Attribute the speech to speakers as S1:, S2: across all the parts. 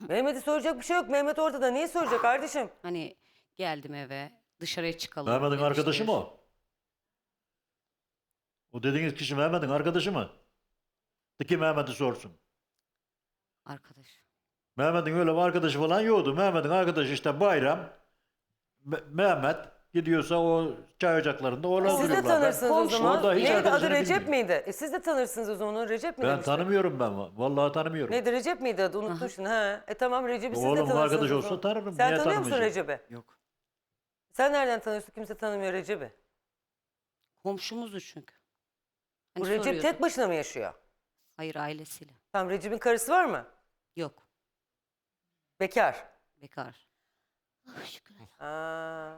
S1: Mehmet'e soracak bir şey yok. Mehmet ortada. Niye soracak kardeşim?
S2: Hani geldim eve, dışarıya çıkalım
S3: Mehmet'in arkadaşı
S2: demiştir.
S3: mı o? O dediğiniz kişi Mehmet'in arkadaşı mı? De ki Mehmet'i sorsun.
S2: Arkadaş.
S3: Mehmet'in öyle bir arkadaşı falan yoktu. Mehmet'in arkadaşı işte Bayram. Mehmet gidiyorsa o çay ocaklarında orada
S1: Siz de
S3: duruyorlar.
S1: tanırsınız o zaman.
S3: Orada hiç
S1: Neydi adı,
S3: arkadaşını
S1: Recep
S3: bilmiyorum.
S1: miydi? Siz de tanırsınız o zaman onu. Recep mi
S3: Ben
S1: demiştin?
S3: tanımıyorum ben. Vallahi tanımıyorum.
S1: Neydi, Recep miydi adı? Unuttum şimdi. Ha. Tamam, Recep'i siz de
S3: Oğlumun
S1: tanırsınız
S3: arkadaşı
S1: o
S3: olsa
S1: zaman.
S3: tanırım.
S1: Sen
S3: Niye
S1: tanıyor musun
S3: tanımayacağım?
S1: Recep'i?
S2: Yok.
S1: Sen nereden tanıyorsun? Kimse tanımıyor Recep'i.
S2: Komşumuzdu çünkü. Hani
S1: Bu Recep
S2: soruyordu.
S1: tek başına mı yaşıyor?
S2: Hayır, ailesiyle.
S1: Tamam, Recep'in karısı var mı?
S2: Yok.
S1: Bekar.
S2: Bekar.
S1: Aa.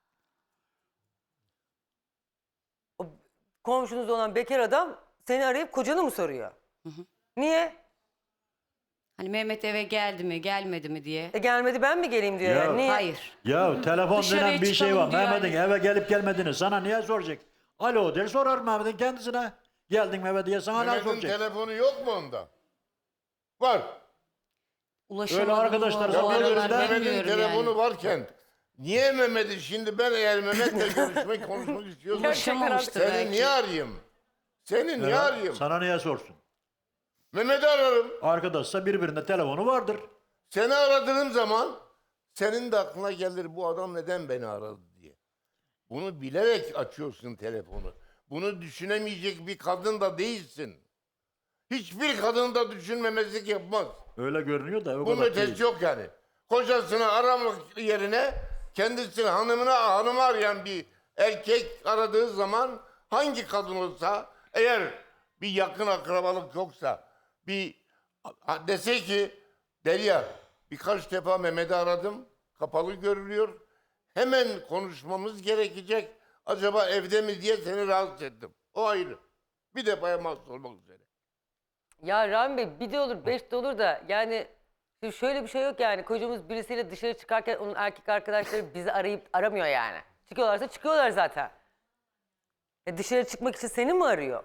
S1: O komşunuz olan bekar adam seni arayıp kocanı mı soruyor? Niye?
S2: Hani Mehmet eve geldi mi, gelmedi mi diye.
S1: Gelmedi, ben mi geleyim diyor
S3: Ya.
S1: yani. Niye?
S2: Hayır.
S3: Ya telefon
S2: Dışarıya
S3: denen bir şey
S2: çıkalım
S3: var.
S2: diyor
S3: Mehmet'in
S2: yani.
S3: eve gelip gelmediğini sana niye soracak? Alo der sorar Mehmet'in kendisine. Geldin mi eve diye sana ne
S4: Mehmet'in
S3: soracak?
S4: telefonu yok mu onda? Var.
S2: Ulaşamadım.
S3: Öyle arkadaşlar
S4: Ya
S3: Vallahi
S4: bir
S3: öyle
S4: Mehmet'in
S2: bilmiyorum
S4: telefonu
S2: yani.
S4: varken niye Mehmet'i şimdi ben eğer Mehmet'le konuşmak istiyorsam
S2: Ulaşamamıştır
S4: seni
S2: belki.
S4: niye arayayım? Seni niye arayayım?
S3: Sana niye sorsun?
S4: Mehmet'i ararım.
S3: Arkadaşsa birbirinde telefonu vardır.
S4: Seni aradığım zaman senin de aklına gelir bu adam neden beni aradı diye. Bunu bilerek açıyorsun telefonu. Bunu düşünemeyecek bir kadın da değilsin. Hiçbir kadın da düşünmemezlik yapmaz.
S3: Öyle görünüyor da o
S4: Bunun
S3: kadar
S4: ötesi
S3: değil.
S4: yok yani. Kocasını aramak yerine kendisini hanımı arayan bir erkek aradığı zaman hangi kadın olsa eğer bir yakın akrabalık yoksa dese ki Derya birkaç defa Mehmet'i aradım kapalı görülüyor hemen konuşmamız gerekecek acaba evde mi diye seni rahatsız ettim. O ayrı. Bir defaya mahsus olmak üzere.
S1: Ya Rahmi Bey, bir de olur, beş de olur da yani şimdi şöyle bir şey yok yani. Kocamız birisiyle dışarı çıkarken onun erkek arkadaşları bizi arayıp aramıyor yani. Çıkıyorlarsa çıkıyorlar zaten. Dışarı çıkmak için seni mi arıyor?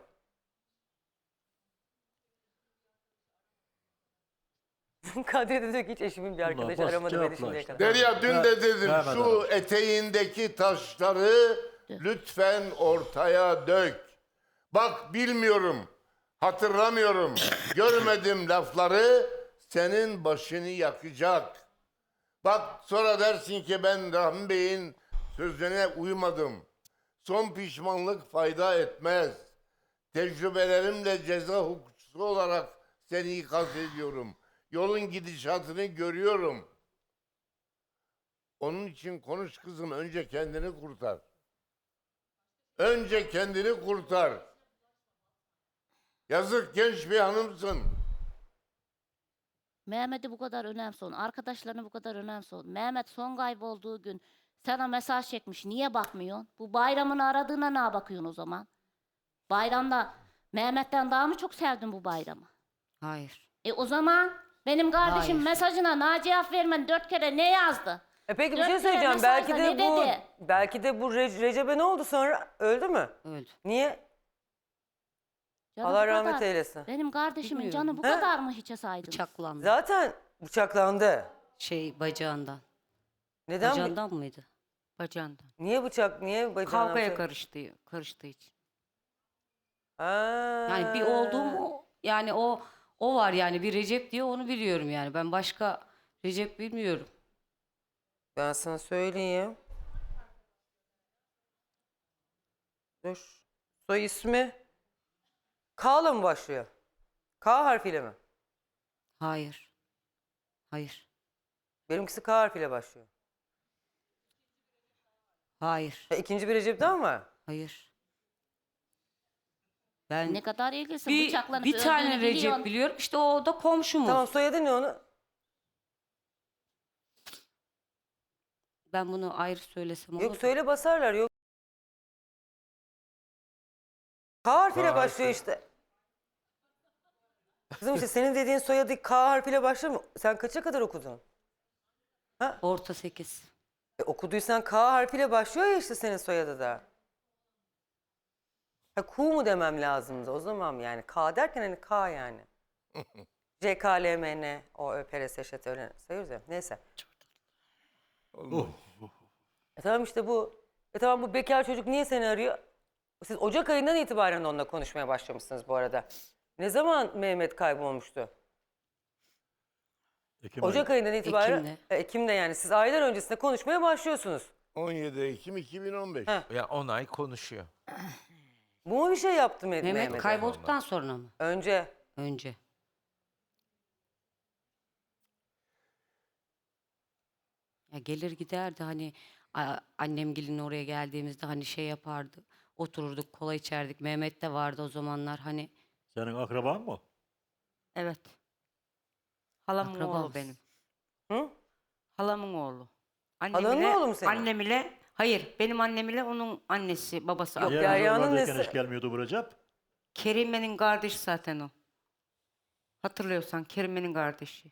S1: Kadri de diyor ki hiç eşimin bir arkadaşı
S3: basit
S1: aramadı beni
S3: cevaplar
S1: şimdiye
S3: işte.
S1: kadar.
S4: Derya dün de dedim
S3: Mehmet
S4: şu
S3: aramış.
S4: eteğindeki taşları lütfen ortaya dök. Bak bilmiyorum, hatırlamıyorum, görmedim lafları senin başını yakacak. Bak sonra dersin ki ben Rahmi Bey'in sözüne uymadım. Son pişmanlık fayda etmez. Tecrübelerimle ceza hukukçusu olarak seni ikaz ediyorum. Yolun gidişatını görüyorum. Onun için konuş kızım, önce kendini kurtar. Önce kendini kurtar. Yazık genç bir hanımsın.
S5: Mehmet'i bu kadar önemsiyorsun. Arkadaşlarını bu kadar önemsiyorsun. Mehmet son kaybolduğu gün sana mesaj çekmiş. Niye bakmıyorsun? Bu bayramını aradığına ne bakıyorsun o zaman? Bayramda Mehmet'ten daha mı çok sevdin bu bayramı?
S2: Hayır.
S5: O zaman benim kardeşim
S2: Hayır.
S5: mesajına ne cevap vermeden 4 kere ne yazdı?
S1: Peki bir
S5: Dört
S1: şey
S5: kere
S1: söyleyeceğim. Belki
S5: mesajda
S1: de
S5: ne
S1: bu
S5: dedi?
S1: Recep'e ne oldu sonra? Öldü mü?
S2: Öldü.
S1: Niye?
S5: Canı
S1: Allah
S5: bu
S1: rahmet
S5: kadar.
S1: eylesin.
S5: Benim kardeşimin
S2: Bilmiyorum.
S5: canı bu
S1: He?
S5: kadar mı hiçe saydın?
S2: Bıçaklandı.
S1: Zaten bıçaklandı.
S2: Bacağından.
S1: Neden?
S2: Bacağından mıydı? Bacağından.
S1: Niye bacağına?
S2: Kavgaya karıştığı için.
S1: Ha.
S2: Yani bir oldu mu yani o var yani bir Recep diye onu biliyorum yani. Ben başka Recep bilmiyorum.
S1: Ben sana söyleyeyim. Dur. Soy ismi K'la mı başlıyor? K harfiyle mi?
S2: Hayır. Hayır.
S1: Benimkisi K harfiyle başlıyor.
S2: Hayır.
S1: İkinci bir Recep daha mı var?
S2: Hayır. Ben
S5: Ne kadar ilgilisin
S2: bir
S5: bıçaklanıp
S2: bir tane
S5: öldüğünü
S2: Recep
S5: biliyorsun.
S2: biliyorum. İşte o da komşumuz.
S1: Tamam, soyadı ne onu?
S2: Ben bunu ayrı söylesem olur
S1: Yok
S2: mu?
S1: söyle, basarlar, yok. K harfiyle
S4: K
S1: başlıyor
S4: harfi.
S1: işte. Kızım işte senin dediğin soyadı K harfiyle başlıyor mu? Sen kaça kadar okudun?
S2: Orta 8.
S1: Okuduysan K harfiyle başlıyor ya işte senin soyadı da. Ha, Ku mu demem lazımdı o zaman yani. K derken hani K yani. CKLMN, o ÖPRS şatörü sayıyoruz ya. Neyse. Tamam işte bu. Tamam bu bekar çocuk niye seni arıyor? Siz Ocak ayından itibaren onunla konuşmaya başlamışsınız bu arada. Ne zaman Mehmet kaybolmuştu?
S3: Ekim
S1: Ocak
S3: ayı.
S1: ayından itibaren.
S2: Ekim'de.
S1: Ekim'de yani siz aylar öncesinde konuşmaya başlıyorsunuz.
S4: 17 Ekim 2015.
S1: Heh.
S6: Ya 10 ay konuşuyor.
S1: Bu mu bir şey yaptı
S2: Mehmet
S1: Mehmet'e?
S2: kaybolduktan sonra mı?
S1: Önce.
S2: Önce. Ya gelir giderdi hani annemgilin oraya geldiğimizde hani şey yapardı. Otururduk, kola içerdik. Mehmet de vardı o zamanlar hani.
S3: Senin akraban mı?
S7: Evet. Halamın
S2: Akrabamız.
S7: oğlu benim.
S1: Hı?
S7: Halamın oğlu.
S1: Halanın oğlu mu senin?
S7: Annem ile, hayır benim annem ile onun annesi, babası.
S1: Yok,
S7: Yok,
S3: Diğer
S1: Derya'nın
S3: oralardayken
S1: nesi?
S3: hiç gelmiyordu bu Recep.
S7: Kerime'nin kardeşi zaten o. Hatırlıyorsan Kerime'nin kardeşi.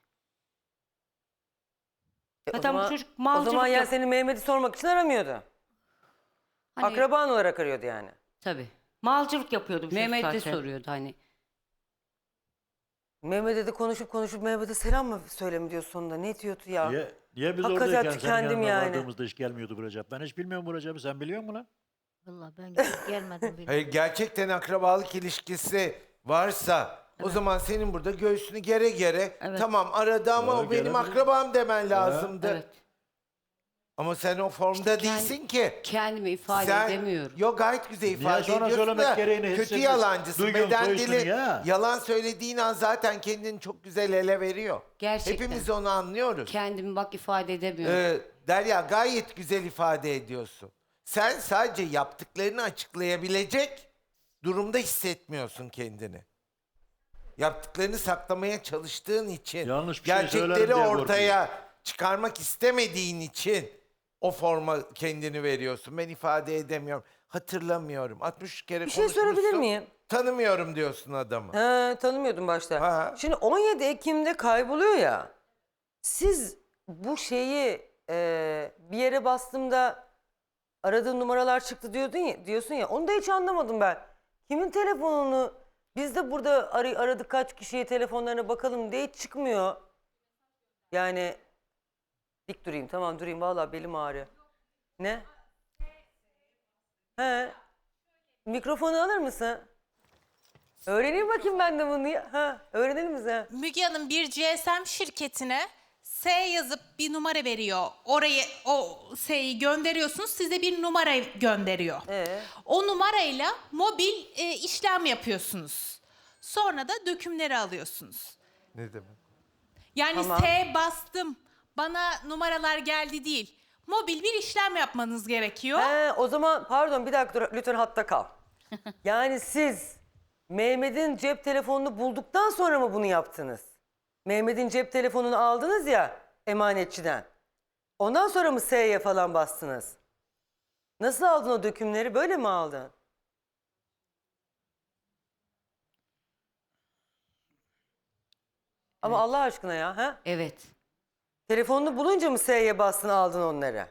S1: O
S7: Zaten
S1: zaman,
S7: bu çocuk
S1: o
S7: malcılık
S1: zaman yani
S7: yap-
S1: seni Mehmet'i sormak için aramıyordu.
S2: Hani
S1: Akraban olarak arıyordu yani.
S2: tabii.
S7: Malcılık yapıyordu bu çocuk
S2: Mehmet de
S7: zaten.
S2: soruyordu hani.
S1: Mehmet'e de konuşup Mehmet'e selam mı söylemi diyor sonunda. Ne diyordu ya?
S3: Niye biz
S1: Hakikaten
S3: oradayken senin
S1: tükendim
S3: yanına
S1: yani.
S3: vardığımızda hiç gelmiyordu bu Recep? Ben hiç bilmiyorum bu Recep'i. Sen biliyor musun lan?
S8: Vallahi ben gidip gelmedim bile.
S6: Hayır, gerçekten akrabalık ilişkisi varsa o zaman senin burada göğsünü gere gere
S7: Evet.
S6: tamam aradı ama
S3: Ya,
S6: o benim
S3: gelebilir.
S6: akrabam demen lazımdı.
S2: Evet.
S6: Ama sen o formda değilsin ki.
S2: Kendimi ifade
S6: Sen
S2: edemiyorum.
S6: yok gayet güzel ifade
S3: sonra
S6: ediyorsun
S3: söylemek
S6: da
S3: gereğini
S6: kötü
S3: hissediyorsun.
S6: yalancısın.
S3: Duygun
S6: Beden
S3: soyusun
S6: dili
S3: ya.
S6: yalan söylediğin an zaten kendini çok güzel ele veriyor.
S2: Gerçekten.
S6: Hepimiz onu anlıyoruz.
S2: Kendimi bak ifade edemiyorum.
S6: Derya gayet güzel ifade ediyorsun. Sen sadece yaptıklarını açıklayabilecek durumda hissetmiyorsun kendini. Yaptıklarını saklamaya çalıştığın için,
S3: Yanlış bir şey söylerim
S6: gerçekleri
S3: diye
S6: ortaya çıkarmak istemediğin için o forma kendini veriyorsun. Ben ifade edemiyorum, hatırlamıyorum. 60 kere
S1: Bir şey sorabilir
S6: konuşmuşsun,
S1: miyim?
S6: tanımıyorum diyorsun adamı.
S1: He, tanımıyordum başta.
S6: Ha.
S1: Şimdi 17 Ekim'de kayboluyor ya. Siz bu şeyi bir yere bastığımda aradığın numaralar çıktı diyorsun ya. Onu da hiç anlamadım ben. Kimin telefonunu biz de burada aradık kaç kişiye telefonlarına bakalım diye hiç çıkmıyor. Yani dik durayım tamam durayım vallahi belim ağrıyor. Ne? He. Mikrofonu alır mısın? Öğreneyim bakayım ben de bunu ya. Ha, öğrenelim mi sen?
S9: Müge Hanım bir GSM şirketine S yazıp bir numara veriyor. Oraya o S'yi gönderiyorsunuz. Size bir numara gönderiyor. O numarayla mobil işlem yapıyorsunuz. Sonra da dökümleri alıyorsunuz.
S6: Ne demek?
S9: Yani
S1: Tamam.
S9: S bastım. Bana numaralar geldi değil. Mobil bir işlem yapmanız gerekiyor.
S1: O zaman pardon bir dakika dur, lütfen hatta kal. Yani siz Mehmet'in cep telefonunu bulduktan sonra mı bunu yaptınız? Mehmet'in cep telefonunu aldınız ya emanetçiden. Ondan sonra mı S'ye falan bastınız? Nasıl aldın o dökümleri? Böyle mi aldın? Ama Allah aşkına ya. Ha?
S2: Evet.
S1: Telefonunu bulunca mı S'ye bastın aldın onları?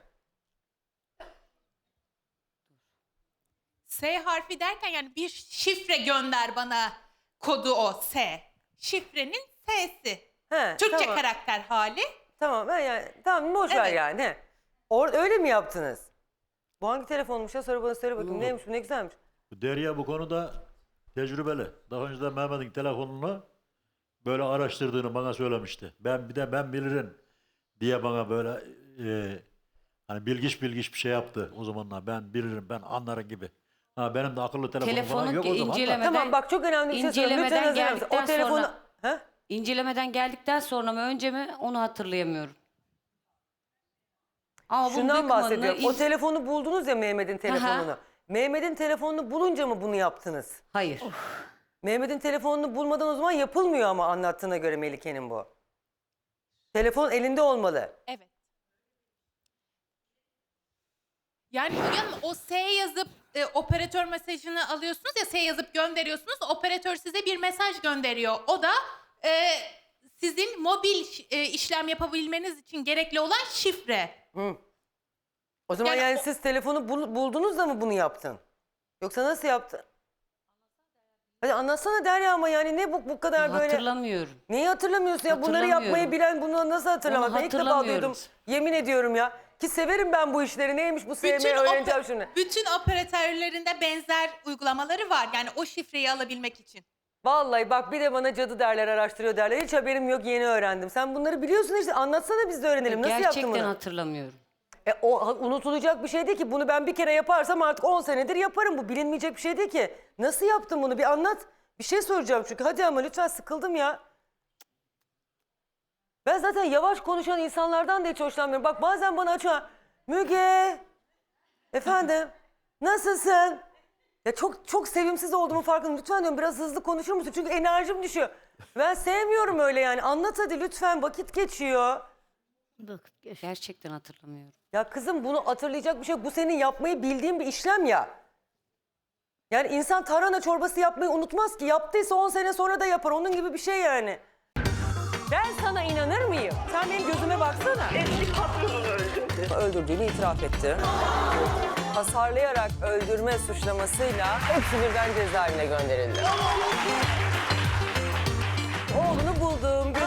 S9: S harfi derken yani bir şifre gönder bana kodu o S. Şifrenin S'si.
S1: He,
S9: Türkçe
S1: tamam.
S9: karakter hali.
S1: Tamam ben yani tamam boş ver
S9: Evet.
S1: yani. He. Öyle mi yaptınız? Bu hangi telefonmuş ya? Sonra bana söyle bakayım. Neymiş bu ne güzelmiş.
S3: Derya bu konuda tecrübeli. Daha önce de Mehmet'in telefonunu böyle araştırdığını bana söylemişti. Ben bilirim diye bana böyle hani bilgiç bir şey yaptı o zamanlar. Ben bilirim, ben anlarım gibi. Ha, benim de akıllı telefonum falan
S2: Telefonu
S3: yok o zaman da.
S2: incelemeden,
S1: Tamam bak çok önemli bir şey söyleyeyim. Lütfen
S2: incelemeden
S1: hazır mısın?
S2: geldikten
S1: O telefonu...
S2: sonra-
S1: He?
S2: incelemeden geldikten sonra mı önce mi onu hatırlayamıyorum. Ama bunun
S1: Şundan
S2: bakımını
S1: bahsediyorum. O telefonu buldunuz ya Mehmet'in telefonunu.
S2: Aha.
S1: Mehmet'in telefonunu bulunca mı bunu yaptınız?
S2: Hayır.
S1: Mehmet'in telefonunu bulmadan o zaman yapılmıyor ama anlattığına göre Melike'nin bu. Telefon elinde olmalı.
S9: Evet. Yani Müge Hanım o S yazıp operatör mesajını alıyorsunuz ya S yazıp gönderiyorsunuz. Operatör size bir mesaj gönderiyor. O da sizin mobil işlem yapabilmeniz için gerekli olan şifre.
S1: O zaman
S9: Yani
S1: yani
S9: o-
S1: siz telefonu buldunuz da mı bunu yaptın? Yoksa nasıl yaptın? Hadi anlatsana Derya ama yani ne bu kadar böyle...
S2: Hatırlamıyorum.
S1: Neyi hatırlamıyorsun ya? Bunları
S2: Hatırlamıyorum.
S1: yapmayı bilen bunu nasıl hatırlamaz?
S2: Onu
S1: Ben ilk defa duydum.
S2: hatırlamıyoruz.
S1: Yemin ediyorum ya. Ki severim ben bu işleri. Neymiş bu sevmeyi öğreneceğim şunu.
S9: bütün operatörlerinde benzer uygulamaları var. Yani o şifreyi alabilmek için.
S1: Vallahi bak bir de bana cadı derler, araştırıyor derler. Hiç haberim yok, yeni öğrendim. Sen bunları biliyorsun işte. Anlatsana biz de öğrenelim. Nasıl yaptın
S2: Gerçekten
S1: bunu?
S2: hatırlamıyorum.
S1: O unutulacak bir şey değil ki. Bunu ben bir kere yaparsam artık 10 senedir yaparım. Bu bilinmeyecek bir şey değil ki. Nasıl yaptın bunu? Bir anlat. Bir şey soracağım çünkü. Hadi ama lütfen, sıkıldım ya. Ben zaten yavaş konuşan insanlardan da hiç hoşlanmıyorum. Bak bazen bana açıyor. Müge. Efendim. Nasılsın? Ya çok sevimsiz olduğumu farkındayım. Lütfen diyorum biraz hızlı konuşur musun? Çünkü enerjim düşüyor. Ben sevmiyorum öyle yani. Anlat hadi lütfen, vakit geçiyor.
S2: Gerçekten hatırlamıyorum.
S1: Ya kızım bunu hatırlayacak bir şey yok. Bu senin yapmayı bildiğin bir işlem ya. Yani insan tarhana çorbası yapmayı unutmaz ki. Yaptıysa 10 sene sonra da yapar. Onun gibi bir şey yani. Ben sana inanır mıyım? Sen benim gözüme baksana.
S10: Eski patronunu öldürdü.
S1: Öldürdüğünü itiraf etti. Hasarlayarak öldürme suçlamasıyla hepsi birden cezaevine gönderildi. Oğlunu buldum,